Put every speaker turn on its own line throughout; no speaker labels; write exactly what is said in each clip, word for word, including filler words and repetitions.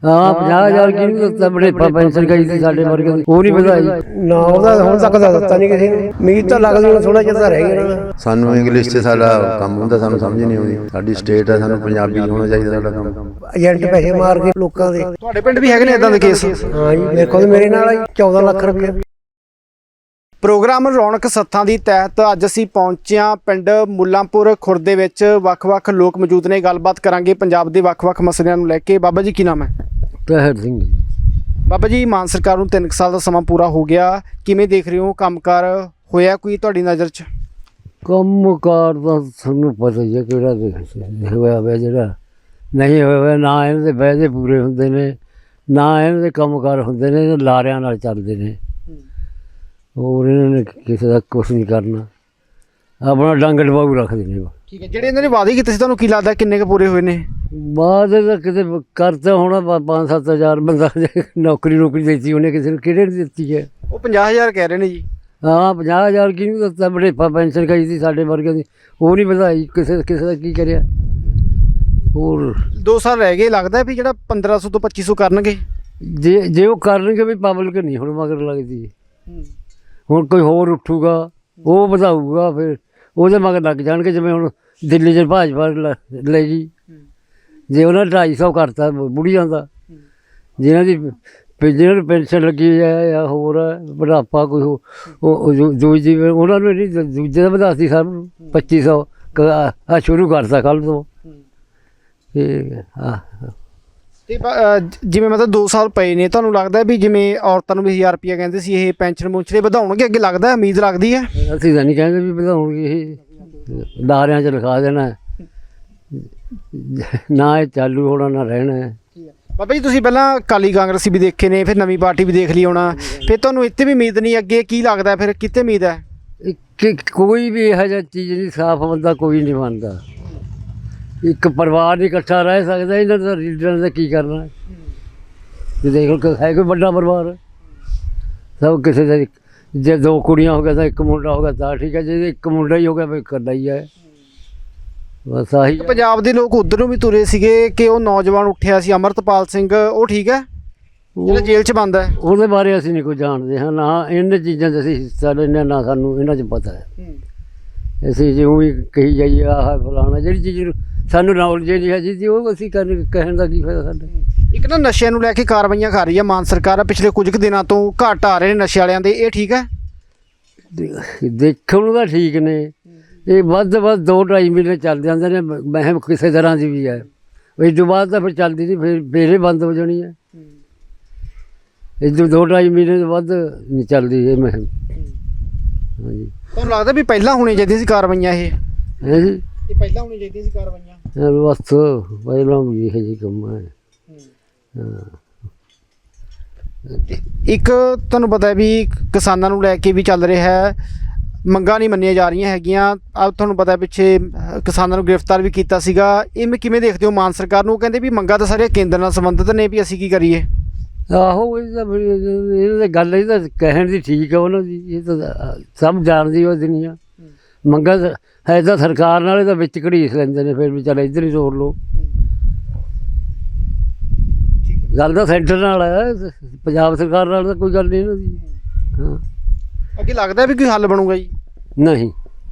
हाँ पचास हजार की नहीं बड़े पेंशन गई थी साढ़े वर्ग वो नहीं ਵਧਾਈ
ਨਾ ਉਹਦਾ ਹੁਣ ਤੱਕ ਦਾ ਦਿੱਤਾ ਨਹੀਂ ਕਿਸੇ ਨੂੰ। ਉਮੀਦ ਤਾਂ ਲੱਗਦੀ ਹੁਣ ਥੋੜਾ ਜਿਹਾ ਤਾਂ ਰਹਿ ਗਿਆ ਨਾ।
ਸਾਨੂੰ ਇੰਗਲਿਸ਼ 'ਚ ਸਾਡਾ ਕੰਮ ਹੁੰਦਾ, ਸਾਨੂੰ ਸਮਝ ਨਹੀਂ ਆਉਂਦੀ। ਸਾਡੀ ਸਟੇਟ ਹੈ, ਸਾਨੂੰ ਪੰਜਾਬੀ ਹੋਣਾ ਚਾਹੀਦਾ ਸਾਡਾ ਕੰਮ।
ਏਜੰਟ ਪੈਸੇ ਮਾਰ ਕੇ ਲੋਕਾਂ ਦੇ।
ਤੁਹਾਡੇ ਪਿੰਡ ਵੀ ਹੈਗੇ ਨੇ ਇਦਾਂ ਦੇ ਕੇਸ?
ਹਾਂ ਜੀ, ਮੇਰੇ ਕੋਲ ਮੇਰੇ ਨਾਲ ਆਈ ਚੌਦਾਂ ਲੱਖ ਰੁਪਏ।
ਪ੍ਰੋਗਰਾਮ ਰੌਣਕ ਸੱਥਾਂ ਦੀ ਤਹਿਤ ਅੱਜ ਅਸੀਂ ਪਹੁੰਚੇ ਹਾਂ ਪਿੰਡ ਮੁੱਲਾਂਪੁਰ ਖੁਰਦ ਦੇ ਵਿੱਚ। ਵੱਖ-ਵੱਖ ਲੋਕ ਮੌਜੂਦ ਨੇ, ਗੱਲਬਾਤ ਕਰਾਂਗੇ ਪੰਜਾਬ ਦੇ ਵੱਖ-ਵੱਖ ਮਸਲਿਆਂ ਨੂੰ ਲੈ ਕੇ। ਬਾਬਾ ਜੀ ਕੀ ਨਾਮ ਹੈ?
ਤਹਿਰ ਸਿੰਘ।
ਬਾਬਾ ਜੀ, ਮਾਨ ਸਰਕਾਰ ਨੂੰ ਤਿੰਨ ਸਾਲ ਦਾ ਸਮਾਂ ਪੂਰਾ ਹੋ ਗਿਆ, ਕਿਵੇਂ ਦੇਖ ਰਹੇ ਹੋ? ਕੰਮਕਾਰ ਹੋਇਆ ਕੋਈ ਤੁਹਾਡੀ ਨਜ਼ਰ 'ਚ?
ਕੰਮਕਾਰ ਦਾ ਸਾਨੂੰ ਪਤਾ ਹੀ ਹੈ ਕਿਹੜਾ ਹੋਇਆ ਹੋਇਆ, ਜਿਹੜਾ ਨਹੀਂ ਹੋਇਆ ਹੋਇਆ ਨਾ ਇਹਨਾਂ ਦੇ ਵਾਅਦੇ ਪੂਰੇ ਹੁੰਦੇ ਨੇ, ਨਾ ਇਹਨਾਂ ਦੇ ਕੰਮਕਾਰ ਹੁੰਦੇ ਨੇ, ਲਾਰਿਆਂ ਨਾਲ ਚੱਲਦੇ ਨੇ। ਹੋਰ ਇਹਨਾਂ ਨੇ ਕਿਸੇ ਦਾ ਕੁਛ ਨਹੀਂ ਕਰਨਾ, ਆਪਣਾ ਡੰਗ ਡਬਾਊ ਰੱਖਦੇ ਨੇ।
ਠੀਕ ਹੈ, ਜਿਹੜੇ ਇਹਨਾਂ ਨੇ ਵਾਅਦੇ ਕੀਤੇ ਸੀ ਤੁਹਾਨੂੰ ਕੀ ਲੱਗਦਾ ਕਿੰਨੇ ਕੁ ਪੂਰੇ ਹੋਏ ਨੇ?
ਬਾਅਦ ਤਾਂ ਕਿਤੇ ਕਰਤਾ ਹੋਣਾ ਪੰਜ ਸੱਤ ਹਜ਼ਾਰ ਬੰਦਾ ਨੌਕਰੀ ਨੌਕਰੀ ਦਿੱਤੀ ਉਹਨੇ, ਕਿਸੇ ਨੂੰ ਕਿਹੜੇ ਨੇ ਦਿੱਤੀ ਹੈ?
ਉਹ ਪੰਜਾਹ ਹਜ਼ਾਰ ਕਹਿ ਰਹੇ ਨੇ ਜੀ।
ਹਾਂ ਪੰਜਾਹ ਹਜ਼ਾਰ ਕੀ ਨਹੀਂ ਦਿੱਤਾ, ਬੜੇ ਪੈਨਸ਼ਨ ਗਈ ਸੀ ਸਾਡੇ ਵਰਗਿਆਂ ਦੀ, ਉਹ ਨਹੀਂ ਵਧਾਈ। ਕਿਸੇ ਕਿਸੇ ਦਾ ਕੀ ਕਰਿਆ? ਹੋਰ
ਦੋ ਸਾਲ ਰਹਿ ਗਏ, ਲੱਗਦਾ ਵੀ ਜਿਹੜਾ ਪੰਦਰਾਂ ਸੌ ਤੋਂ ਪੱਚੀ ਸੌ ਕਰਨਗੇ।
ਜੇ ਜੇ ਉਹ ਕਰਨਗੇ ਵੀ ਪਬਲਿਕ ਨਹੀਂ ਹੁਣ ਮਗਰ ਲੱਗਦੀ। ਹੁਣ ਕੋਈ ਹੋਰ ਉੱਠੂਗਾ ਉਹ ਵਧਾਊਗਾ, ਫਿਰ ਉਹਦੇ ਮਗਰ ਲੱਗ ਜਾਣਗੇ। ਜਿਵੇਂ ਹੁਣ ਦਿੱਲੀ 'ਚ ਭਾਜਪਾ ਲੈ ਗਈ, ਜੇ ਉਹਨਾਂ ਢਾਈ ਸੌ ਕਰਤਾ ਬੁੜੀਆਂ ਦਾ, ਜਿਹਨਾਂ ਦੀ ਜਿਹਨਾਂ ਨੂੰ ਪੈਨਸ਼ਨ ਲੱਗੀ ਹੈ ਜਾਂ ਹੋਰ ਬੁਢਾਪਾ ਕੋਈ ਦੂਜੀ, ਉਹਨਾਂ ਨੂੰ ਨਹੀਂ ਦੂਜੇ ਦਾ ਵਧਾਤੀ ਸਭ ਨੂੰ ਪੱਚੀ ਸੌ ਆ ਸ਼ੁਰੂ ਕਰਤਾ ਕੱਲ੍ਹ ਤੋਂ। ਠੀਕ ਹੈ। ਹਾਂ
ਤੇ ਜਿਵੇਂ ਮਤਲਬ ਦੋ ਸਾਲ ਪਏ ਨੇ, ਤੁਹਾਨੂੰ ਲੱਗਦਾ ਵੀ ਜਿਵੇਂ ਔਰਤਾਂ ਨੂੰ ਵੀ ਹਜ਼ਾਰ ਰੁਪਈਆ ਕਹਿੰਦੇ ਸੀ, ਇਹ ਪੈਨਸ਼ਨ ਮੁੰਚਲੇ ਵਧਾਉਣਗੇ ਅੱਗੇ? ਲੱਗਦਾ ਉਮੀਦ ਲੱਗਦੀ ਹੈ?
ਅਸੀਂ ਤਾਂ ਨਹੀਂ ਕਹਿੰਦੇ ਵੀ ਵਧਾਉਣਗੇ, ਇਹ ਲਾਰਿਆਂ 'ਚ ਲਿਖਾ ਦੇਣਾ, ਨਾ ਇਹ ਚਾਲੂ ਹੋਣਾ ਨਾ ਰਹਿਣਾ।
ਬਾਬਾ ਜੀ, ਤੁਸੀਂ ਪਹਿਲਾਂ ਅਕਾਲੀ ਕਾਂਗਰਸੀ ਵੀ ਦੇਖੇ ਨੇ, ਫਿਰ ਨਵੀਂ ਪਾਰਟੀ ਵੀ ਦੇਖ ਲਈ ਹੋਣਾ, ਫਿਰ ਤੁਹਾਨੂੰ ਇੱਥੇ ਵੀ ਉਮੀਦ ਨਹੀਂ, ਅੱਗੇ ਕੀ ਲੱਗਦਾ ਫਿਰ ਕਿਤੇ ਉਮੀਦ ਹੈ?
ਕਿ ਕੋਈ ਵੀ ਇਹੋ ਜਿਹਾ ਚੀਜ਼ ਨਹੀਂ, ਸਾਫ਼ ਬੰਦਾ ਕੋਈ ਨਹੀਂ ਬਣਦਾ। ਇੱਕ ਪਰਿਵਾਰ ਨਹੀਂ ਇਕੱਠਾ ਰਹਿ ਸਕਦਾ, ਇਹਨਾਂ ਦਾ ਲੀਡਰਾਂ ਦਾ ਕੀ ਕਰਨਾ? ਤੁਸੀਂ ਦੇਖ ਲਓ, ਹੈ ਕੋਈ ਵੱਡਾ ਪਰਿਵਾਰ? ਸਭ ਕਿਸੇ ਦਾ, ਜੇ ਦੋ ਕੁੜੀਆਂ ਹੋ ਗਿਆ ਤਾਂ ਇੱਕ ਮੁੰਡਾ ਹੋ ਗਿਆ ਤਾਂ ਠੀਕ ਹੈ, ਜੇ ਇੱਕ ਮੁੰਡਾ ਹੀ ਹੋ ਗਿਆ ਫਿਰ ਇਕੱਲਾ ਹੀ ਹੈ। ਬਸ ਆਹੀ।
ਪੰਜਾਬ ਦੇ ਲੋਕ ਉੱਧਰ ਨੂੰ ਵੀ ਤੁਰੇ ਸੀਗੇ ਕਿ ਉਹ ਨੌਜਵਾਨ ਉੱਠਿਆ ਸੀ ਅਮਰਤਪਾਲ ਸਿੰਘ, ਉਹ ਠੀਕ ਹੈ ਜਿਹੜਾ ਜੇਲ੍ਹ 'ਚ ਬੰਦ ਹੈ? ਉਹਦੇ
ਬਾਰੇ ਅਸੀਂ ਨਹੀਂ ਕੋਈ ਜਾਣਦੇ ਹਾਂ, ਨਾ ਇਹਨਾਂ ਚੀਜ਼ਾਂ 'ਚ ਅਸੀਂ ਹਿੱਸਾ ਲੈਂਦੇ, ਨਾ ਸਾਨੂੰ ਇਹਨਾਂ 'ਚ ਪਤਾ ਹੈ। ਅਸੀਂ ਜਿਉਂ ਵੀ ਕਹੀ ਜਾਈਏ ਆਹ ਫਲਾਣਾ, ਜਿਹੜੀ ਚੀਜ਼ ਸਾਨੂੰ ਨੌਲੇਜ ਨਹੀਂ ਹੈ ਜੀ, ਉਹ ਅਸੀਂ ਕਰਨ ਕਹਿਣ ਦਾ ਕੀ ਫਾਇਦਾ ਸਾਡਾ?
ਇੱਕ ਨਾ ਨਸ਼ਿਆਂ ਨੂੰ ਲੈ ਕੇ ਕਾਰਵਾਈਆਂ ਕਰ ਰਹੀ ਹੈ ਮਾਨ ਸਰਕਾਰ, ਪਿਛਲੇ ਕੁਝ ਕੁ ਦਿਨਾਂ ਤੋਂ ਘੱਟ ਆ ਰਹੇ ਨੇ ਨਸ਼ੇ ਵਾਲਿਆਂ ਦੇ, ਇਹ ਠੀਕ ਹੈ?
ਦੇਖਣ ਨੂੰ ਤਾਂ ਠੀਕ ਨੇ, ਇਹ ਵੱਧ ਵੱਧ ਦੋ ਢਾਈ ਮਹੀਨੇ ਚੱਲ ਜਾਂਦੇ ਨੇ, ਮਹਿਮ ਕਿਸੇ ਤਰ੍ਹਾਂ ਦੀ ਵੀ ਹੈ। ਇਸ ਤੋਂ ਬਾਅਦ ਤਾਂ ਫਿਰ ਚੱਲਦੀ ਨਹੀਂ, ਫਿਰ ਫੇਰ ਬੰਦ ਹੋ ਜਾਣੀ ਹੈ। ਇਸ ਤੋਂ ਦੋ ਢਾਈ ਮਹੀਨੇ ਤੋਂ ਵੱਧ ਨਹੀਂ ਚੱਲਦੀ ਇਹ ਮਹਿਮ। ਹਾਂਜੀ, ਤੁਹਾਨੂੰ ਲੱਗਦਾ ਵੀ ਪਹਿਲਾਂ ਹੋਣੀ ਚਾਹੀਦੀ ਸੀ ਕਾਰਵਾਈਆਂ? ਇਹ ਹੈ ਜੀ, ਇਹ ਪਹਿਲਾਂ ਹੋਣੀ ਚਾਹੀਦੀਆਂ ਸੀ ਕਾਰਵਾਈਆਂ? ਬਸ ਪਹਿਲਾਂ ਵੀ ਇਹੋ ਜਿਹੀ ਕੰਮ ਹੈ। ਹਾਂ,
ਇੱਕ ਤੁਹਾਨੂੰ ਪਤਾ ਹੈ ਵੀ ਕਿਸਾਨਾਂ ਨੂੰ ਲੈ ਕੇ ਵੀ ਚੱਲ ਰਿਹਾ ਹੈ, ਮੰਗਾਂ ਨਹੀਂ ਮੰਨੀਆਂ ਜਾ ਰਹੀਆਂ ਹੈਗੀਆਂ। ਆ ਤੁਹਾਨੂੰ ਪਤਾ ਪਿੱਛੇ ਕਿਸਾਨਾਂ ਨੂੰ ਗ੍ਰਿਫਤਾਰ ਵੀ ਕੀਤਾ ਸੀਗਾ, ਇਹ ਕਿਵੇਂ ਦੇਖਦੇ ਹੋ ਮਾਨ ਸਰਕਾਰ ਨੂੰ? ਕਹਿੰਦੇ ਵੀ ਮੰਗਾਂ ਤਾਂ ਸਾਰੀਆਂ ਕੇਂਦਰ ਨਾਲ ਸੰਬੰਧਿਤ ਨੇ, ਵੀ ਅਸੀਂ ਕੀ ਕਰੀਏ?
ਆਹੋ, ਇਹ ਤਾਂ ਇਹ ਤਾਂ ਗੱਲ ਇਹ ਤਾਂ ਕਹਿਣ ਦੀ ਠੀਕ ਹੈ ਉਹਨਾਂ ਦੀ, ਇਹ ਤਾਂ ਸਭ ਜਾਣਦੀ ਉਹ ਦੁਨੀਆ। ਮੰਗਾਂ ਹੈ ਤਾਂ ਸਰਕਾਰ ਨਾਲ, ਇਹ ਤਾਂ ਵਿੱਚ ਘੜੀਸ ਲੈਂਦੇ ਨੇ, ਫਿਰ ਵੀ ਚੱਲ ਇੱਧਰ ਹੀ ਤੋੜ ਲਓ। ਗੱਲ ਤਾਂ ਸੈਂਟਰ ਨਾਲ ਹੈ, ਪੰਜਾਬ ਸਰਕਾਰ ਨਾਲ ਤਾਂ ਕੋਈ ਗੱਲ ਨਹੀਂ ਇਹਨਾਂ ਦੀ। ਹਾਂ,
ਅੱਗੇ ਲੱਗਦਾ ਵੀ ਕੋਈ ਹੱਲ ਬਣੂਗਾ ਜੀ?
ਨਹੀਂ,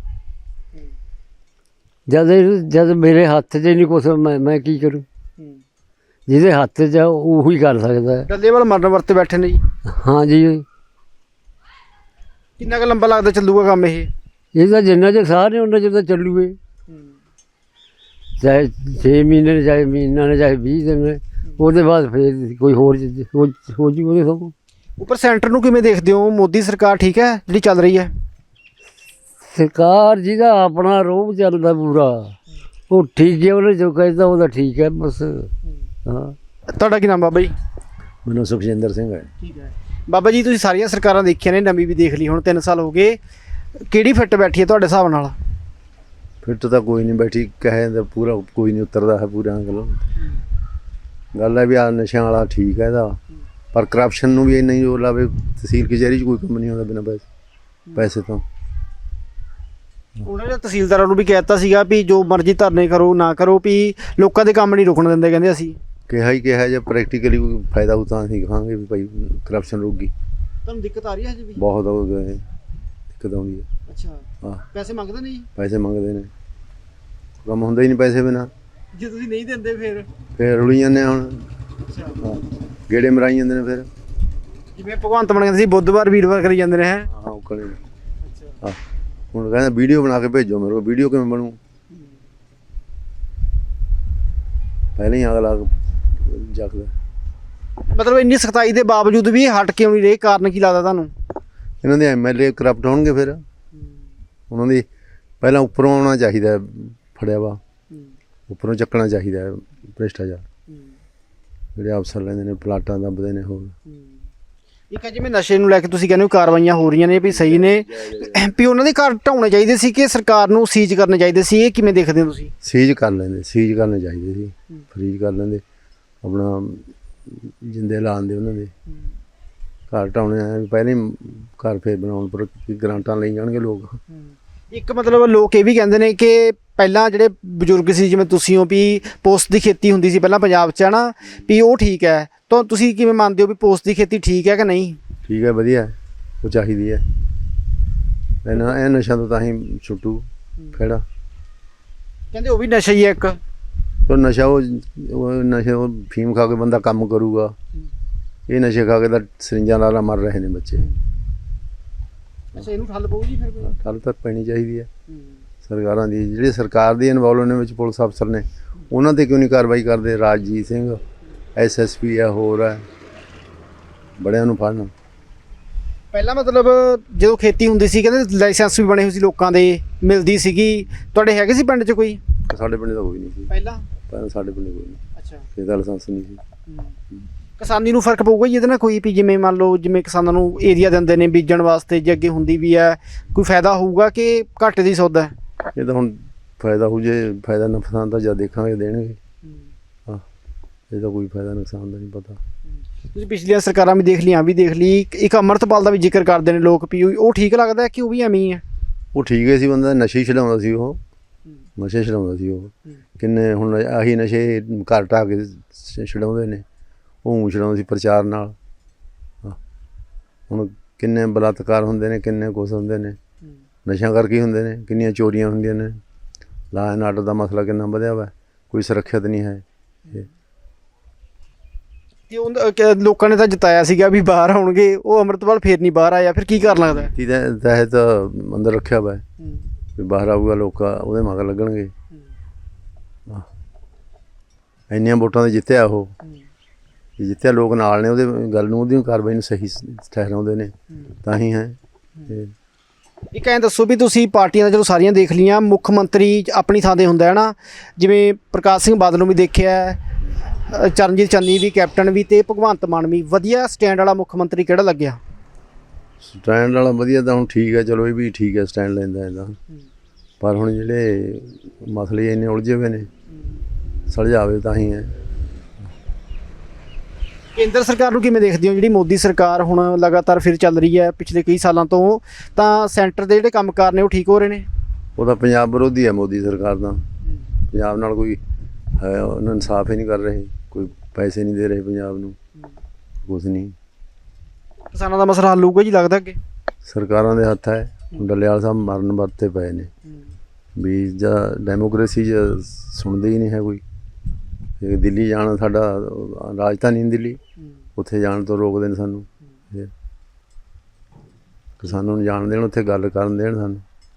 ਜਦ ਜਦ ਮੇਰੇ ਹੱਥ 'ਚ ਨਹੀਂ ਕੁਛ, ਮੈਂ ਮੈਂ ਕੀ ਕਰੂੰ? ਜਿਹਦੇ ਹੱਥ 'ਚ ਉਹੀ ਕਰ ਸਕਦਾ ਹੈ।
ਡੱਲੇਵਾਲ ਮਰਨ ਵਰਤੇ ਬੈਠੇ ਨੇ ਜੀ।
ਹਾਂ ਜੀ,
ਕਿੰਨਾ ਕੁ ਲੰਬਾ ਲੱਗਦਾ ਚੱਲੂਗਾ ਕੰਮ ਇਹ?
ਇਹ ਤਾਂ ਜਿੰਨਾ ਚਿਰ ਸਾਹ ਨੇ ਉਹਨਾਂ ਚਿਰ ਤਾਂ ਚੱਲੂਗੇ, ਚਾਹੇ ਛੇ ਮਹੀਨੇ ਨੇ, ਚਾਹੇ ਮਹੀਨਾ ਨੇ, ਚਾਹੇ ਵੀਹ ਦਿਨ ਨੇ, ਉਹਦੇ ਬਾਅਦ ਫਿਰ ਕੋਈ ਹੋਰ ਹੋ ਜੂ ਉਹਦੇ ਸਭ।
ਉੱਪਰ ਸੈਂਟਰ ਨੂੰ ਕਿਵੇਂ ਦੇਖਦੇ ਹੋ? ਮੋਦੀ ਸਰਕਾਰ ਠੀਕ ਹੈ ਜਿਹੜੀ ਚੱਲ ਰਹੀ ਹੈ?
ਸਰਕਾਰ ਜਿਹਦਾ ਆਪਣਾ ਰੋਹ ਚੱਲਦਾ ਪੂਰਾ, ਉਹ ਠੀਕ ਹੈ, ਉਹਨੇ ਜੋ ਕਹਿੰਦਾ ਉਹਦਾ ਠੀਕ ਹੈ ਬਸ। ਹਾਂ,
ਤੁਹਾਡਾ ਕੀ ਨਾਮ ਬਾਬਾ ਜੀ?
ਮੈਨੂੰ ਸੁਖਜਿੰਦਰ ਸਿੰਘ ਹੈ।
ਠੀਕ ਹੈ ਬਾਬਾ ਜੀ, ਤੁਸੀਂ ਸਾਰੀਆਂ ਸਰਕਾਰਾਂ ਦੇਖੀਆਂ ਨੇ, ਨਵੀਂ ਵੀ ਦੇਖ ਲਈ, ਹੁਣ ਤਿੰਨ ਸਾਲ ਹੋ ਗਏ, ਕਿਹੜੀ ਫਿੱਟ ਬੈਠੀ ਹੈ ਤੁਹਾਡੇ ਹਿਸਾਬ ਨਾਲ?
ਫਿੱਟ ਤਾਂ ਕੋਈ ਨਹੀਂ ਬੈਠੀ, ਕਹੇ ਤਾਂ ਪੂਰਾ ਕੋਈ ਨਹੀਂ ਉਤਰਦਾ ਹੈ ਪੂਰਾ। ਗੱਲ ਗੱਲ ਹੈ ਵੀ ਆ ਨਸ਼ਿਆਂ ਵਾਲਾ ਠੀਕ ਹੈ ਇਹਦਾ, ਪਰ ਕਰਪਸ਼ਨ ਨੂੰ ਵੀ ਇੰਨਾ ਹੀ ਜ਼ੋਰ ਲਾਵੇ। ਤਹਿਸੀਲ ਕਚਹਿਰੀ 'ਚ ਕੋਈ ਕੰਮ ਨਹੀਂ ਹੁੰਦਾ ਬਿਨਾਂ ਪੈਸੇ ਪੈਸੇ ਤੋਂ।
ਉਹਨਾਂ ਨੇ ਤਹਿਸੀਲਦਾਰਾਂ ਨੂੰ ਵੀ ਕਹਿ ਦਿੱਤਾ ਸੀਗਾ ਵੀ ਜੋ ਮਰਜ਼ੀ ਧਰਨੇ ਕਰੋ ਨਾ ਕਰੋ, ਵੀ ਲੋਕਾਂ ਦੇ ਕੰਮ ਨਹੀਂ ਰੁਕਣ ਦਿੰਦੇ, ਕਹਿੰਦੇ ਅਸੀਂ।
ਕਿਹਾ ਹੀ ਕਿਹਾ ਜੇ ਪ੍ਰੈਕਟੀਕਲੀ ਕੋਈ ਫਾਇਦਾ ਹੋ ਤਾਂ ਅਸੀਂ ਕਹਾਂਗੇ ਵੀ ਭਾਈ ਕਰਪਸ਼ਨ ਰੁਕ ਗਈ।
ਤੁਹਾਨੂੰ ਦਿੱਕਤ ਆ ਰਹੀ ਹੈ ਜੀ ਵੀ?
ਬਹੁਤ ਹੋ ਗਏ ਦਿੱਕਤ ਆਉਂਦੀ ਹੈ।
ਅੱਛਾ,
ਹਾਂ
ਪੈਸੇ ਮੰਗਦੇ ਨਹੀਂ?
ਪੈਸੇ ਮੰਗਦੇ ਨੇ, ਕੰਮ ਹੁੰਦਾ ਹੀ ਨਹੀਂ ਪੈਸੇ ਬਿਨਾਂ।
ਜੇ ਤੁਸੀਂ ਨਹੀਂ ਦਿੰਦੇ ਫਿਰ?
ਫਿਰ ਰੁਲੀ ਜਾਂਦੇ ਹੁਣ।
ਅੱਛਾ,
ਹਾਂ ਗੇੜੇ ਮਰਾਈ ਜਾਂਦੇ ਨੇ ਫਿਰ।
ਜਿਵੇਂ ਭਗਵੰਤ ਮਾਨ ਕਹਿੰਦੇ ਸੀ ਬੁੱਧਵਾਰ ਵੀਰਵਾਰ ਕਰੀ ਜਾਂਦੇ ਨੇ ਹੈ।
ਹਾਂ ਉਹ ਕਰੇ।
ਅੱਛਾ,
ਹਾਂ ਹੁਣ ਕਹਿੰਦਾ ਵੀਡੀਓ ਬਣਾ ਕੇ ਭੇਜੋ ਮੇਰੇ ਕੋਲ, ਵੀਡੀਓ ਕਿਵੇਂ ਬਣੂ? ਪਹਿਲਾਂ ਹੀ ਅਗਲਾ ਜਗਦਾ।
ਮਤਲਬ ਇੰਨੀ ਸਖਤਾਈ ਦੇ ਬਾਵਜੂਦ ਵੀ ਹਟ ਕਿਉਂ ਨਹੀਂ ਰਹੇ, ਕਾਰਨ ਕੀ ਲੱਗਦਾ ਤੁਹਾਨੂੰ?
ਇਹਨਾਂ ਦੇ ਐਮ ਐਲ ਏ ਕਰਪਟ ਹੋਣਗੇ ਫਿਰ। ਉਹਨਾਂ ਦੀ ਪਹਿਲਾਂ ਉੱਪਰੋਂ ਆਉਣਾ ਚਾਹੀਦਾ, ਫੜਿਆ ਵਾ ਉੱਪਰੋਂ ਚੱਕਣਾ ਚਾਹੀਦਾ ਭ੍ਰਿਸ਼ਟਾਚਾਰ। ਜਿਹੜੇ ਅਫਸਰ ਲੈਂਦੇ ਨੇ ਪਲਾਟਾਂ ਦੱਬਦੇ ਨੇ। ਹੋਰ
ਇੱਕ ਹੈ ਜਿਵੇਂ ਨਸ਼ੇ ਨੂੰ ਲੈ ਕੇ ਤੁਸੀਂ ਕਹਿੰਦੇ ਹੋ ਕਾਰਵਾਈਆਂ ਹੋ ਰਹੀਆਂ ਨੇ ਵੀ ਸਹੀ ਨੇ, ਵੀ ਉਹਨਾਂ ਦੇ ਘਰ ਢਾਉਣੇ ਚਾਹੀਦੇ ਸੀ ਕਿ ਸਰਕਾਰ ਨੂੰ ਸੀਜ਼ ਕਰਨੇ ਚਾਹੀਦੇ ਸੀ, ਇਹ ਕਿਵੇਂ ਦੇਖਦੇ ਹੋ ਤੁਸੀਂ?
ਸੀਜ਼ ਕਰ ਲੈਂਦੇ, ਸੀਜ਼ ਕਰਨੇ ਚਾਹੀਦੇ ਸੀ, ਫਰੀਜ਼ ਕਰ ਲੈਂਦੇ, ਆਪਣਾ ਜਿੰਦੇ ਲਾਉਂਦੇ ਉਹਨਾਂ ਦੇ ਘਰ ਢਾਉਣੇ ਆ ਪਹਿਲਾਂ ਹੀ ਘਰ ਫੇਰ ਬਣਾਉਣ ਪਰ ਗਰਾਂਟਾਂ ਲਈ ਜਾਣਗੇ ਲੋਕ।
ਇੱਕ ਮਤਲਬ ਲੋਕ ਇਹ ਵੀ ਕਹਿੰਦੇ ਨੇ ਕਿ ਪਹਿਲਾਂ ਜਿਹੜੇ ਬਜ਼ੁਰਗ ਸੀ ਜਿਵੇਂ ਤੁਸੀਂ ਹੋ ਵੀ ਪੋਸਤ ਦੀ ਖੇਤੀ ਹੁੰਦੀ ਸੀ ਪਹਿਲਾਂ ਪੰਜਾਬ 'ਚ ਹੈ ਨਾ, ਵੀ ਉਹ ਠੀਕ ਹੈ, ਤਾਂ ਤੁਸੀਂ ਕਿਵੇਂ ਮੰਨਦੇ ਹੋ ਵੀ ਪੋਸਤ ਦੀ ਖੇਤੀ ਠੀਕ ਹੈ ਕਿ ਨਹੀਂ?
ਠੀਕ ਹੈ, ਵਧੀਆ ਉਹ ਚਾਹੀਦੀ ਹੈ। ਇਹਨਾਂ ਇਹ ਨਸ਼ਾ ਤੋਂ ਤਾਂ ਹੀ ਛੁੱਟੂ ਖੜਾ।
ਕਹਿੰਦੇ ਉਹ ਵੀ ਨਸ਼ਾ ਹੀ ਹੈ ਇੱਕ।
ਉਹ ਨਸ਼ਾ ਉਹ ਉਹ ਨਸ਼ੇ ਉਹ ਫੀਮ ਖਾ ਕੇ ਬੰਦਾ ਕੰਮ ਕਰੂਗਾ, ਇਹ ਨਸ਼ੇ ਖਾ ਕੇ ਤਾਂ ਸਰਿੰਜਾਂ ਨਾਲ ਮਰ ਰਹੇ ਨੇ ਬੱਚੇ।
ਅੱਛਾ, ਇਹਨੂੰ ਠੱਲ ਪਊ ਜੀ ਫਿਰ ਕੋਈ?
ਠੱਲ ਤਾਂ ਪੈਣੀ ਚਾਹੀਦੀ ਹੈ ਸਰਕਾਰਾਂ ਦੀ, ਜਿਹੜੀ ਸਰਕਾਰ ਦੀ ਇਨਵੋਲਵ ਨੇ ਵਿੱਚ ਪੁਲਿਸ ਅਫਸਰ ਨੇ, ਉਹਨਾਂ 'ਤੇ ਕਿਉਂ ਨਹੀਂ ਕਾਰਵਾਈ ਕਰਦੇ? Rajjit Singh S S P ਆ, ਹੋਰ ਹੈ, ਬੜਿਆਂ ਨੂੰ ਫੜਨ।
ਪਹਿਲਾਂ ਮਤਲਬ ਜਦੋਂ ਖੇਤੀ ਹੁੰਦੀ ਸੀ ਕਹਿੰਦੇ ਲਾਇਸੈਂਸ ਵੀ ਬਣੇ ਹੋਏ ਸੀ ਲੋਕਾਂ ਦੇ, ਮਿਲਦੀ ਸੀਗੀ, ਤੁਹਾਡੇ ਹੈਗੇ ਸੀ ਪਿੰਡ 'ਚ ਕੋਈ?
ਸਾਡੇ ਪਿੰਡ ਤਾਂ ਕੋਈ ਨਹੀਂ ਸੀ
ਪਹਿਲਾਂ।
ਪਹਿਲਾਂ ਸਾਡੇ ਪਿੰਡ ਕੋਈ ਨਹੀਂ,
ਅੱਛਾ,
ਇਹਦਾ ਲਾਇਸੈਂਸ ਨਹੀਂ ਸੀ।
ਕਿਸਾਨੀ ਨੂੰ ਫਰਕ ਪਊਗਾ ਜੀ ਇਹਦੇ ਨਾਲ ਕੋਈ? ਵੀ ਜਿਵੇਂ ਮੰਨ ਲਓ ਜਿਵੇਂ ਕਿਸਾਨਾਂ ਨੂੰ ਏਰੀਆ ਦਿੰਦੇ ਨੇ ਬੀਜਣ ਵਾਸਤੇ, ਜੇ ਅੱਗੇ ਹੁੰਦੀ ਵੀ ਹੈ ਕੋਈ ਫਾਇਦਾ ਹੋਊਗਾ ਕਿ ਘਾਟੇ ਦੀ ਸੌਦਾ ਹੈ?
ਇਹ ਤਾਂ ਹੁਣ ਫਾਇਦਾ ਹੋ ਜੇ, ਫਾਇਦਾ ਨੁਕਸਾਨ ਤਾਂ ਜਦ ਦੇਖਾਂਗੇ ਦੇਣਗੇ। ਹਾਂ ਇਹ ਤਾਂ ਕੋਈ ਫਾਇਦਾ ਨੁਕਸਾਨ ਦਾ ਨਹੀਂ ਪਤਾ।
ਤੁਸੀਂ ਪਿਛਲੀਆਂ ਸਰਕਾਰਾਂ ਵੀ ਦੇਖ ਲਈਆਂ ਵੀ ਦੇਖ ਲਈ, ਇੱਕ ਅੰਮ੍ਰਿਤਪਾਲ ਦਾ ਵੀ ਜ਼ਿਕਰ ਕਰਦੇ ਨੇ ਲੋਕ ਵੀ ਉਹ ਠੀਕ ਲੱਗਦਾ ਕਿ ਉਹ ਵੀ ਐਵੇਂ ਹੀ ਹੈ?
ਉਹ ਠੀਕ ਹੈ ਸੀ, ਬੰਦਾ ਨਸ਼ੇ ਹੀ ਛਡਾਉਂਦਾ ਸੀ, ਉਹ ਨਸ਼ੇ ਛਡਾਉਂਦਾ ਸੀ ਉਹ। ਕਿੰਨੇ ਹੁਣ ਆਹੀ ਨਸ਼ੇ ਘਰ ਢਾਹ ਕੇ ਛਡਾਉਂਦੇ ਨੇ, ਉਹ ਛਡਾਉਂਦੇ ਸੀ ਪ੍ਰਚਾਰ ਨਾਲ। ਹੁਣ ਕਿੰਨੇ ਬਲਾਤਕਾਰ ਹੁੰਦੇ ਨੇ, ਕਿੰਨੇ ਕੁਛ ਹੁੰਦੇ ਨੇ ਨਸ਼ਿਆਂ ਕਰਕੇ ਹੀ ਹੁੰਦੇ ਨੇ, ਕਿੰਨੀਆਂ ਚੋਰੀਆਂ ਹੁੰਦੀਆਂ ਨੇ। ਲਾ ਐਂਡ ਆਰਡਰ ਦਾ ਮਸਲਾ ਕਿੰਨਾ ਵਧਿਆ ਵਾ, ਕੋਈ ਸੁਰੱਖਿਅਤ ਨਹੀਂ ਹੈ।
ਤੇ ਉਹ ਲੋਕਾਂ ਨੇ ਤਾਂ ਜਿਤਾਇਆ ਸੀਗਾ ਵੀ ਬਾਹਰ ਆਉਣਗੇ, ਉਹ ਅੰਮ੍ਰਿਤਪਾਲ ਫੇਰ ਨਹੀਂ ਬਾਹਰ ਆਇਆ, ਫਿਰ ਕੀ ਕਰਨ ਲੱਗਦਾ?
ਨੀਤੀ ਦੇ ਤਹਿਤ ਅੰਦਰ ਰੱਖਿਆ ਵਾ ਵੀ ਬਾਹਰ ਆਊਗਾ, ਲੋਕ ਉਹਦੇ ਮਗਰ ਲੱਗਣਗੇ। ਇੰਨੀਆਂ ਵੋਟਾਂ 'ਤੇ ਜਿੱਤਿਆ ਉਹ, ਜਿੱਤਿਆ ਲੋਕ ਨਾਲ ਨੇ ਉਹਦੇ ਗੱਲ ਨੂੰ, ਉਹਦੀ ਕਾਰਵਾਈ ਨੂੰ ਸਹੀ ਠਹਿਰਾਉਂਦੇ ਨੇ ਤਾਂ ਹੀ ਹੈ।
ਇੱਕ ਐਂ ਦੱਸੋ ਵੀ ਤੁਸੀਂ ਪਾਰਟੀਆਂ ਦਾ ਜਦੋਂ ਸਾਰੀਆਂ ਦੇਖ ਲਈਆਂ, ਮੁੱਖ ਮੰਤਰੀ ਆਪਣੀ ਥਾਂ 'ਤੇ ਹੁੰਦਾ ਹੈ ਨਾ, ਜਿਵੇਂ ਪ੍ਰਕਾਸ਼ ਸਿੰਘ ਬਾਦਲ ਨੂੰ ਵੀ ਦੇਖਿਆ, ਚਰਨਜੀਤ ਚੰਨੀ ਵੀ, ਕੈਪਟਨ ਵੀ, ਤੇ ਭਗਵੰਤ ਮਾਨ ਵੀ, ਵਧੀਆ ਸਟੈਂਡ ਵਾਲਾ ਮੁੱਖ ਮੰਤਰੀ ਕਿਹੜਾ ਲੱਗਿਆ?
ਸਟੈਂਡ ਵਾਲਾ ਵਧੀਆ ਤਾਂ ਹੁਣ ਠੀਕ ਹੈ, ਚਲੋ ਇਹ ਵੀ ਠੀਕ ਹੈ ਸਟੈਂਡ ਲੈਂਦਾ ਇਹਦਾ, ਪਰ ਹੁਣ ਜਿਹੜੇ ਮਸਲੇ ਇੰਨੇ ਉਲਝੇ ਹੋਏ ਨੇ, ਸੁਲਝਾਵੇ ਤਾਂ ਹੀ ਹੈ।
ਕੇਂਦਰ ਸਰਕਾਰ ਨੂੰ ਕਿਵੇਂ ਦੇਖਦੇ ਹੋ? ਜਿਹੜੀ ਮੋਦੀ ਸਰਕਾਰ ਹੁਣ ਲਗਾਤਾਰ ਫਿਰ ਚੱਲ ਰਹੀ ਹੈ ਪਿਛਲੇ ਕਈ ਸਾਲਾਂ ਤੋਂ, ਤਾਂ ਸੈਂਟਰ ਦੇ ਜਿਹੜੇ ਕੰਮਕਾਰ ਨੇ ਉਹ ਠੀਕ ਹੋ ਰਹੇ ਨੇ?
ਉਹ ਤਾਂ ਪੰਜਾਬ ਵਿਰੋਧੀ ਹੈ ਮੋਦੀ ਸਰਕਾਰ ਦਾ, ਪੰਜਾਬ ਨਾਲ ਕੋਈ ਹੈ ਉਹਨਾਂ ਇਨਸਾਫ ਹੀ ਨਹੀਂ ਕਰ ਰਹੇ, ਕੋਈ ਪੈਸੇ ਨਹੀਂ ਦੇ ਰਹੇ ਪੰਜਾਬ ਨੂੰ, ਕੁਛ ਨਹੀਂ।
ਕਿਸਾਨਾਂ ਦਾ ਮਸਲਾ ਹੱਲ ਹੋਊਗਾ ਜੀ ਲੱਗਦਾ ਅੱਗੇ?
ਸਰਕਾਰਾਂ ਦੇ ਹੱਥ ਹੈ। ਡੱਲੇਵਾਲ ਸਾਹਿਬ ਮਰਨ ਵਰਤੇ ਪਏ ਨੇ ਵੀ, ਜਾਂ ਡੈਮੋਕ੍ਰੇਸੀ 'ਚ ਸੁਣਦੇ ਹੀ ਨਹੀਂ ਹੈ ਕੋਈ। ਦਿੱਲੀ ਜਾਣਾ, ਸਾਡਾ ਰਾਜਧਾਨੀ ਦਿੱਲੀ, ਉੱਥੇ ਜਾਣ ਤੋਂ ਰੋਕਦੇ ਨੇ ਸਾਨੂੰ। ਕਿਸਾਨਾਂ ਨੂੰ ਜਾਣ ਦੇਣ, ਉੱਥੇ ਗੱਲ ਕਰਨ ਦੇਣ ਸਾਨੂੰ।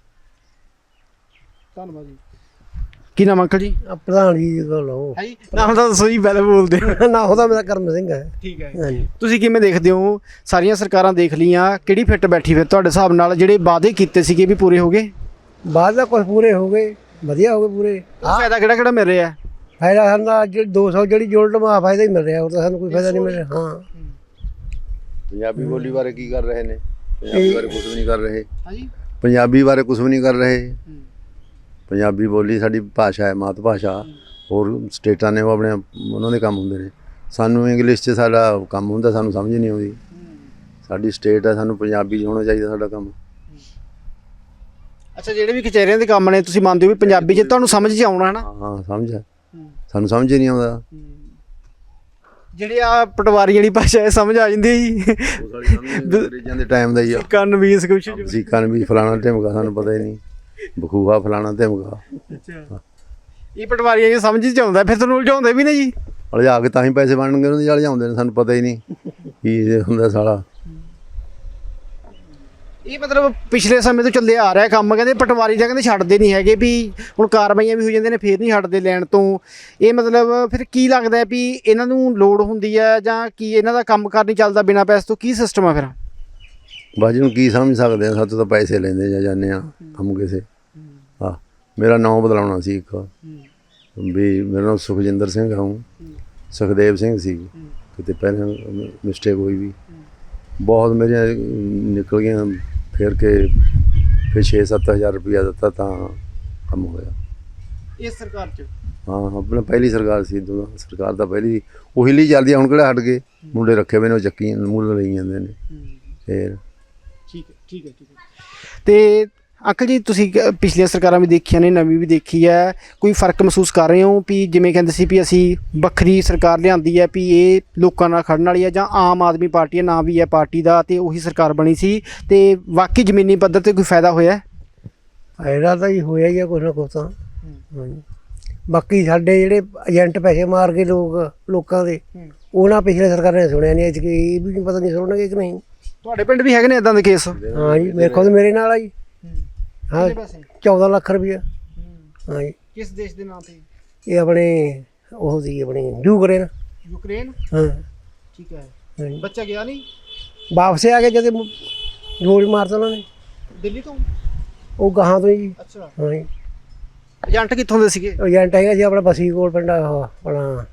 ਧੰਨਵਾਦ ਜੀ। ਕੀ ਨਾਮ ਅੰਕਲ ਜੀ?
ਪ੍ਰਧਾਨ ਜੀ ਦੀ ਗੱਲ ਉਹ
ਹੈ ਜੀ, ਨਾਮ ਤਾਂ ਦੱਸੋ ਜੀ, ਪਹਿਲਾਂ ਬੋਲਦੇ।
ਨਾ ਉਹਦਾ ਮੇਰਾ ਕਰਮ ਸਿੰਘ ਹੈ।
ਠੀਕ ਹੈ
ਹਾਂਜੀ।
ਤੁਸੀਂ ਕਿਵੇਂ ਦੇਖਦੇ ਹੋ? ਸਾਰੀਆਂ ਸਰਕਾਰਾਂ ਦੇਖ ਲਈਆਂ, ਕਿਹੜੀ ਫਿੱਟ ਬੈਠੀ ਫਿਰ ਤੁਹਾਡੇ ਹਿਸਾਬ ਨਾਲ? ਜਿਹੜੇ ਵਾਅਦੇ ਕੀਤੇ ਸੀਗੇ ਵੀ ਪੂਰੇ ਹੋ ਗਏ?
ਬਾਅਦ ਦਾ ਕੁਝ ਪੂਰੇ ਹੋ ਗਏ, ਵਧੀਆ ਹੋ ਗਏ ਪੂਰੇ।
ਫਾਇਦਾ ਕਿਹੜਾ ਕਿਹੜਾ ਮਿਲ ਰਿਹਾ?
ਫਾਇਦਾ ਸਾਨੂੰ ਤਾਂ ਜਿਹੜੀ ਦੋ ਸੌ ਜਿਹੜੀ ਯੂਨਿਟ ਮਾ ਫਾਇਦਾ ਹੀ ਮਿਲ ਰਿਹਾ, ਉਹ ਤਾਂ ਸਾਨੂੰ ਕੋਈ ਫਾਇਦਾ ਨਹੀਂ ਮਿਲ ਰਿਹਾ। ਹਾਂ
ਪੰਜਾਬੀ ਬੋਲੀ ਬਾਰੇ ਕੀ ਕਰ ਰਹੇ ਨੇ? ਪੰਜਾਬੀ ਬਾਰੇ ਕੁਝ ਵੀ ਨਹੀਂ ਕਰ ਰਹੇ।
ਹਾਂਜੀ,
ਪੰਜਾਬੀ ਬਾਰੇ ਕੁਝ ਵੀ ਨਹੀਂ ਕਰ ਰਹੇ। ਪੰਜਾਬੀ ਬੋਲੀ ਸਾਡੀ ਭਾਸ਼ਾ ਹੈ, ਮਾਤ ਭਾਸ਼ਾ। ਹੋਰ ਸਟੇਟਾਂ ਨੇ ਉਹ ਆਪਣੇ ਉਹਨਾਂ ਦੇ ਕੰਮ ਹੁੰਦੇ ਨੇ, ਸਾਨੂੰ ਇੰਗਲਿਸ਼ 'ਚ ਸਾਡਾ ਕੰਮ ਹੁੰਦਾ, ਸਾਨੂੰ ਸਮਝ ਨਹੀਂ ਆਉਂਦੀ। ਸਾਡੀ ਸਟੇਟ ਹੈ, ਸਾਨੂੰ ਪੰਜਾਬੀ 'ਚ ਹੋਣਾ ਚਾਹੀਦਾ ਸਾਡਾ ਕੰਮ।
ਅੱਛਾ, ਜਿਹੜੇ ਵੀ ਕਚਹਿਰੀਆਂ ਦੇ ਕੰਮ ਨੇ ਤੁਸੀਂ ਮੰਨਦੇ ਹੋ ਵੀ ਪੰਜਾਬੀ 'ਚ ਤੁਹਾਨੂੰ ਸਮਝ 'ਚ ਆਉਣਾ ਹੈ ਨਾ?
ਹਾਂ ਸਮਝ ਹੈ, ਸਾਨੂੰ ਸਮਝ ਹੀ ਨਹੀਂ ਆਉਂਦਾ।
ਜਿਹੜੇ ਆ ਪਟਵਾਰੀ ਜਿਹੜੀ ਭਾਸ਼ਾ ਹੈ ਸਮਝ ਆ ਜਾਂਦੀ ਹੈ ਜੀ
ਉਹ ਸਾਲੀ ਸਮਝ ਅੰਗਰੇਜ਼ਾਂ ਦੇ ਟਾਈਮ ਦਾ ਹੀ ਆ
ਕੰਨ ਵੀਸ ਕੁਛ
ਵਸੀਕਾਂ ਵੀ ਫਲਾਣਾ ਢਿਮਕਾ ਸਾਨੂੰ ਪਤਾ ਹੀ ਨਹੀਂ ਬਖੂਆ ਫਲਾਣਾ ਢਿਮਕਾ
ਅੱਛਾ ਇਹ ਪਟਵਾਰੀ ਜੀ ਸਮਝ ਚ ਆਉਂਦਾ ਫਿਰ ਤੁਹਾਨੂੰ ਉਲਝਾਉਂਦੇ ਵੀ ਨੇ ਜੀ
ਅਲਝਾ ਕੇ ਤਾਂ ਹੀ ਪੈਸੇ ਬਣਨਗੇ ਉਹਨਾਂ ਦੇ ਅਲਝਾਉਂਦੇ ਨੇ ਸਾਨੂੰ ਪਤਾ ਹੀ ਨਹੀਂ ਕੀ ਇਹ ਹੁੰਦਾ ਸਾਲਾ
ਇਹ ਮਤਲਬ ਪਿਛਲੇ ਸਮੇਂ ਤੋਂ ਚੱਲੇ ਆ ਰਿਹਾ ਕੰਮ ਕਹਿੰਦੇ ਪਟਵਾਰੀ ਦਾ ਕਹਿੰਦੇ ਛੱਡਦੇ ਨਹੀਂ ਹੈਗੇ ਵੀ ਹੁਣ ਕਾਰਵਾਈਆਂ ਵੀ ਹੋ ਜਾਂਦੇ ਨੇ ਫਿਰ ਨਹੀਂ ਹਟਦੇ ਲੈਣ ਤੋਂ ਇਹ ਮਤਲਬ ਫਿਰ ਕੀ ਲੱਗਦਾ ਵੀ ਇਹਨਾਂ ਨੂੰ ਲੋੜ ਹੁੰਦੀ ਹੈ ਜਾਂ ਕੀ ਇਹਨਾਂ ਦਾ ਕੰਮ ਕਾਰ ਨਹੀਂ ਚੱਲਦਾ ਬਿਨਾਂ ਪੈਸੇ ਤੋਂ ਕੀ ਸਿਸਟਮ ਆ ਫਿਰ
ਬਸ ਜੀ ਨੂੰ ਕੀ ਸਮਝ ਸਕਦੇ ਆ ਸਾਡੇ ਤਾਂ ਪੈਸੇ ਲੈਂਦੇ ਜਾਂ ਜਾਂਦੇ ਆ ਕੰਮ ਕਿਸੇ ਆ ਮੇਰਾ ਨਾਮ ਬਦਲਾਉਣਾ ਸੀ ਇੱਕ ਵੀ ਮੇਰਾ ਨਾਮ ਸੁਖਜਿੰਦਰ ਸਿੰਘ ਹਾਂ ਸੁਖਦੇਵ ਸਿੰਘ ਸੀ ਕਿਤੇ ਪਹਿਲਾਂ ਮਿਸਟੇਕ ਹੋਈ ਵੀ ਬਹੁਤ ਮੇਰੀਆਂ ਨਿਕਲ ਗਈਆਂ ਫਿਰ ਕੇ ਫਿਰ ਛੇ ਸੱਤ ਹਜ਼ਾਰ ਰੁਪਇਆ ਦਿੱਤਾ ਤਾਂ ਕੰਮ ਹੋਇਆ
ਇਸ ਸਰਕਾਰ 'ਚ
ਹਾਂ ਆਪਣਾ ਪਹਿਲੀ ਸਰਕਾਰ ਸੀ ਦੋ ਸਰਕਾਰ ਤਾਂ ਪਹਿਲੀ ਉਹੀ ਲਈ ਚੱਲਦੀ ਆ ਹੁਣ ਕਿਹੜਾ ਹਟ ਗਏ ਮੁੰਡੇ ਰੱਖੇ ਹੋਏ ਨੇ ਉਹ ਚੱਕੀ ਮੁੱਲ ਲਈ ਜਾਂਦੇ ਨੇ ਫਿਰ
ਠੀਕ ਹੈ ਠੀਕ ਹੈ ਠੀਕ ਹੈ ਤੇ ਅੰਕਲ ਜੀ ਤੁਸੀਂ ਕ- ਪਿਛਲੀਆਂ ਸਰਕਾਰਾਂ ਵੀ ਦੇਖੀਆਂ ਨੇ ਨਵੀਂ ਵੀ ਦੇਖੀ ਹੈ ਕੋਈ ਫਰਕ ਮਹਿਸੂਸ ਕਰ ਰਹੇ ਹੋ ਵੀ ਜਿਵੇਂ ਕਹਿੰਦੇ ਸੀ ਵੀ ਅਸੀਂ ਵੱਖਰੀ ਸਰਕਾਰ ਲਿਆਂਦੀ ਹੈ ਵੀ ਇਹ ਲੋਕਾਂ ਨਾਲ ਖੜਨ ਵਾਲੀ ਹੈ ਜਾਂ ਆਮ ਆਦਮੀ ਪਾਰਟੀ ਹੈ ਨਾਂ ਵੀ ਹੈ ਪਾਰਟੀ ਦਾ ਤੇ ਉਹੀ ਸਰਕਾਰ ਬਣੀ ਸੀ ਤੇ ਵਾਕਈ ਜ਼ਮੀਨੀ ਪੱਧਰ ਤੇ ਕੋਈ ਫਾਇਦਾ ਹੋਇਆ
ਫਾਇਦਾ ਤਾਂ ਹੀ ਹੋਇਆ ਹੀ ਆ ਕੁਛ ਨਾ ਕੁਛ ਤਾਂ ਹਾਂਜੀ ਬਾਕੀ ਸਾਡੇ ਜਿਹੜੇ ਏਜੰਟ ਪੈਸੇ ਮਾਰ ਕੇ ਲੋਕ ਲੋਕਾਂ ਦੇ ਉਹਨਾਂ ਪਿਛਲੇ ਸਰਕਾਰ ਨੇ ਸੁਣਿਆ ਨਹੀਂ ਅੱਜ ਕਿ ਇਹ ਵੀ ਨਹੀਂ ਪਤਾ ਨਹੀਂ ਸੁਣਨਗੇ ਕਿ ਨਹੀਂ
ਤੁਹਾਡੇ ਪਿੰਡ ਵੀ ਹੈਗੇ ਨੇ ਇਦਾਂ ਦੇ ਕੇਸ
ਹਾਂ ਜੀ ਮੇਰੇ ਖੁਦ ਮੇਰੇ ਨਾਲ ਆ ਜੀ ਹਾਂ ਚੌਦਾਂ ਲੱਖ ਰੁਪਇਆ ਹਾਂ ਜੀ
ਕਿਸ ਦੇਸ਼ ਦੇ ਨਾਂ ਤੇ
ਇਹ ਆਪਣੇ ਉਹ ਸੀ ਆਪਣੀ ਯੂਕਰੇਨ
ਯੂਕਰੇਨ
ਹਾਂ
ਠੀਕ ਹੈ
ਹਾਂਜੀ।
ਬੱਚਾ ਗਿਆ ਨਹੀਂ
ਵਾਪਸ ਆ ਕੇ ਜਦ ਗੋਲੀ ਮਾਰਤਾ ਉਹਨਾਂ ਨੇ
ਦਿੱਲੀ ਤੋਂ
ਉਹ ਗਾਹਾਂ ਤੋਂ ਜੀ
ਅੱਛਾ
ਹਾਂ ਜੀ
ਏਜੰਟ ਕਿੱਥੋਂ ਦੇ ਸੀਗੇ
ਏਜੰਟ ਹੈਗਾ ਜੀ ਆਪਣਾ ਬਸੀ ਕੋਲ ਪਿੰਡ ਆ ਉਹ ਆਪਣਾ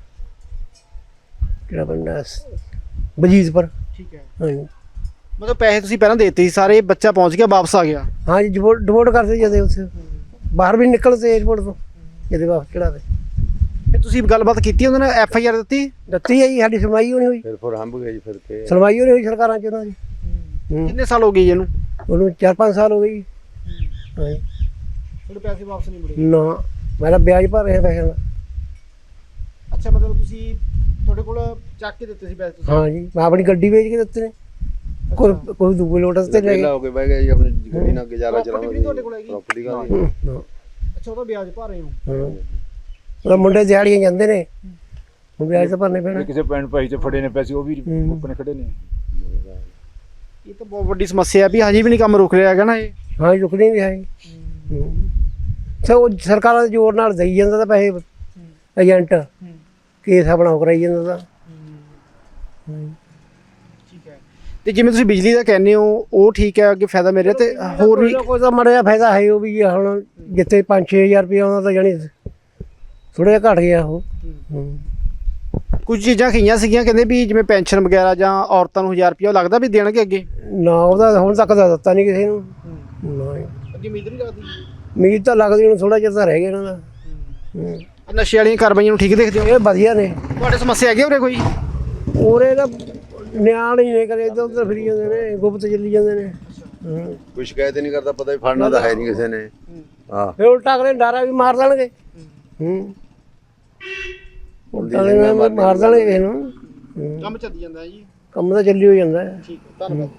ਕਿਹੜਾ ਪਿੰਡ ਆ ਬਜੀਤਪੁਰ
ਠੀਕ ਹੈ
ਹਾਂ ਜੀ
ਮਤਲਬ ਪੈਸੇ ਤੁਸੀਂ ਪਹਿਲਾਂ ਦੇ ਦਿੱਤੇ ਸੀ ਸਾਰੇ ਬੱਚਾ ਪਹੁੰਚ ਗਿਆ ਵਾਪਸ ਆ ਗਿਆ
ਹਾਂ ਜੀ ਡਿਵੋਰਟ ਡਿਵੋਰਟ ਕਰਦੇ ਜਦੇ ਉੱਥੇ ਬਾਹਰ ਵੀ ਨਿਕਲਦੇ ਏਅਰਪੋਰਟ ਤੋਂ ਜਦੇ ਵਾਪਸ ਚੜਾਵੇ
ਫਿਰ ਤੁਸੀਂ ਗੱਲਬਾਤ ਕੀਤੀ ਉਹਨਾਂ ਨੇ ਐਫ ਆਈ ਆਰ ਦਿੱਤੀ
ਦਿੱਤੀ ਹੈ ਜੀ ਸਾਡੀ ਸੁਣਵਾਈ ਹੋਣੀ ਹੋਈ
ਫਿਰ ਫਿਰ ਹੰਬ ਗਏ ਜੀ ਫਿਰ ਕੇ
ਸੁਣਵਾਈ ਹੋਣੀ ਹੋਈ ਸਰਕਾਰਾਂ ਚ ਉਹਨਾਂ ਦੀ ਹੂੰ।
ਕਿੰਨੇ ਸਾਲ ਹੋ ਗਏ ਜੀ ਇਹਨੂੰ
ਉਹਨੂੰ ਚਾਰ ਪੰਜ ਸਾਲ ਹੋ ਗਏ ਜੀ ਹਾਂ ਜੀ
ਤੁਹਾਡੇ ਪੈਸੇ ਵਾਪਸ ਨਹੀਂ ਮੁੜੇ
ਨਾ ਮੈਂ ਤਾਂ ਵਿਆਜ ਭਰ ਰਿਹਾ ਪੈਸਿਆਂ ਦਾ
ਅੱਛਾ ਮਤਲਬ ਤੁਸੀਂ ਤੁਹਾਡੇ ਕੋਲ ਚੱਕ ਕੇ ਦਿੱਤੇ ਸੀ ਪੈਸੇ ਤੁਸੀਂ
ਹਾਂ ਜੀ ਮੈਂ ਆਪਣੀ ਗੱਡੀ ਵੇਚ ਕੇ ਦਿੱਤੇ ਨੇ ਕੋਈ ਕੋਈ ਦੂਏ ਲੋਟਸ ਤੇ ਲੈ
ਵਿਹਲਾ ਹੋ ਕੇ ਬਹਿ ਗਿਆ ਜੀ ਆਪਣੀ ਗੱਡੀ ਨਾਲ ਗੁਜ਼ਾਰਾ
Property ਵੀ
ਚਲਾਉਂਦੇ
ਤੁਹਾਡੇ ਕੋਲ ਹੈਗੀ?
ਪ੍ਰਾਪਰਟੀ ਦਾ
ਗਏ ਹਾਂ
ਅੱਛਾ ਉਹਦਾ ਵਿਆਜ ਭਰ ਰਹੇ ਹੋ
ਹਾਂ ਉਹ ਮੁੰਡੇ ਦਿਹਾੜੀਆਂ ਜਾਂਦੇ ਨੇ ਹੁਣ ਵਿਆਜ ਤਾਂ ਭਰਨੇ ਪੈਣਾ
ਕਿਸੇ ਪੈਣ ਭਾਈ ਚ ਫੜੇ ਨੇ ਪੈਸੇ ਉਹ ਵੀ
ਹੂੰ।
ਆਪਣੇ ਖੜੇ ਨੇ
ਇਹ ਤਾਂ ਬਹੁਤ ਵੱਡੀ ਸਮੱਸਿਆ ਹੈ ਵੀ ਹਜੇ ਵੀ ਨਹੀਂ ਕੰਮ ਰੁਕ ਰਿਹਾ ਹੈਗਾ ਨਾ ਇਹ
ਹਾਂ ਜੀ ਰੁਕਣੀ ਨਹੀਂ ਹੈ ਸੋ ਉਹ ਸਰਕਾਰਾਂ ਦੇ ਜ਼ੋਰ ਨਾਲ ਦੇਈ ਜਾਂਦਾ ਤਾਂ ਪੈਸੇ ਏਜੰਟ ਕੇਸ ਆਪਣਾ ਉਹ ਕਰਾਈ ਜਾਂਦਾ ਤਾਂ
ਠੀਕ ਹੈ ਤੇ ਜਿਵੇਂ ਤੁਸੀਂ ਬਿਜਲੀ ਦਾ ਕਹਿੰਦੇ ਹੋ ਉਹ ਠੀਕ ਹੈ ਅੱਗੇ ਫਾਇਦਾ ਮੇਰੇ ਤੇ ਹੋਰ ਵੀ
ਕੋਈ ਤਾਂ ਮਾੜਾ ਜਿਹਾ ਫਾਇਦਾ ਹੈ ਉਹ ਵੀ ਹੁਣ ਜਿੱਥੇ ਪੰਜ ਛੇ ਹਜ਼ਾਰ ਰੁਪਏ ਆਉਂਦਾ ਤਾਂ ਜਾਣੀ ਥੋੜਾ ਜਿਹਾ ਘਟ ਗਿਆ ਉਹ ਹੂੰ।
ਕੁਝ ਚੀਜ਼ਾਂ ਖਈਆਂ ਸੀਗੀਆਂ ਕਹਿੰਦੇ ਵੀ ਜਿਵੇਂ ਪੈਨਸ਼ਨ ਵਗੈਰਾ ਜਾਂ ਔਰਤਾਂ ਨੂੰ ਹਜ਼ਾਰ ਰੁਪਇਆ ਲੱਗਦਾ ਵੀ ਦੇਣਗੇ ਅੱਗੇ
ਨਾ ਉਹਦਾ ਹੁਣ ਤੱਕ ਤਾਂ ਦਿੱਤਾ ਨਹੀਂ ਕਿਸੇ ਨੂੰ ਨਾ ਜੀ।
ਅੱਗੇ ਉਮੀਦ ਨਹੀਂ ਲੱਗਦੀ
ਉਮੀਦ ਤਾਂ ਲੱਗਦੀ ਹੁਣ ਥੋੜਾ ਜਿਹਾ ਤਾਂ ਰਹਿ ਗਿਆ ਇਹਨਾਂ ਦਾ ਹੂੰ।
ਨਸ਼ੇ ਵਾਲੀਆਂ ਕਾਰਵਾਈਆਂ ਨੂੰ ਠੀਕ ਦੇਖਦੇ ਹੋ
ਇਹ ਵਧੀਆ ਨੇ
ਤੁਹਾਡੇ ਸਮੱਸਿਆ ਹੈਗੀ ਉਰੇ ਕੋਈ
ਉਹਰੇ ਦਾ ਨਿਆਣ ਹੀ ਨੇ ਕਰੇ ਇੱਧਰ ਉੱਧਰ ਫਿਰੀ ਜਾਂਦੇ ਨੇ ਗੁਪਤ ਚੱਲੀ ਜਾਂਦੇ ਨੇ ਹੂੰ।
ਕੋਈ ਸ਼ਿਕਾਇਤ ਨਹੀਂ ਕਰਦਾ ਪਤਾ ਵੀ ਫੜਨਾ ਤਾਂ ਹੈ ਨਹੀਂ ਕਿਸੇ ਨੇ ਹਾਂ
ਫਿਰ ਉਲਟਾ ਅਗਲੇ ਡਾਰਾ ਵੀ ਮਾਰ ਦੇਣਗੇ ਹੂੰ ਉਲਟਾ ਅਗਲੇ ਮਾਰ ਦੇਣਗੇ ਕਿਸੇ ਨੂੰ ਹੂੰ।
ਕੰਮ ਚੱਲੀ ਜਾਂਦਾ ਹੈ ਜੀ
ਕੰਮ ਤਾਂ ਚੱਲੀ ਹੋ ਜਾਂਦਾ ਹੈ
ਠੀਕ ਹੈ ਧੰਨਵਾਦ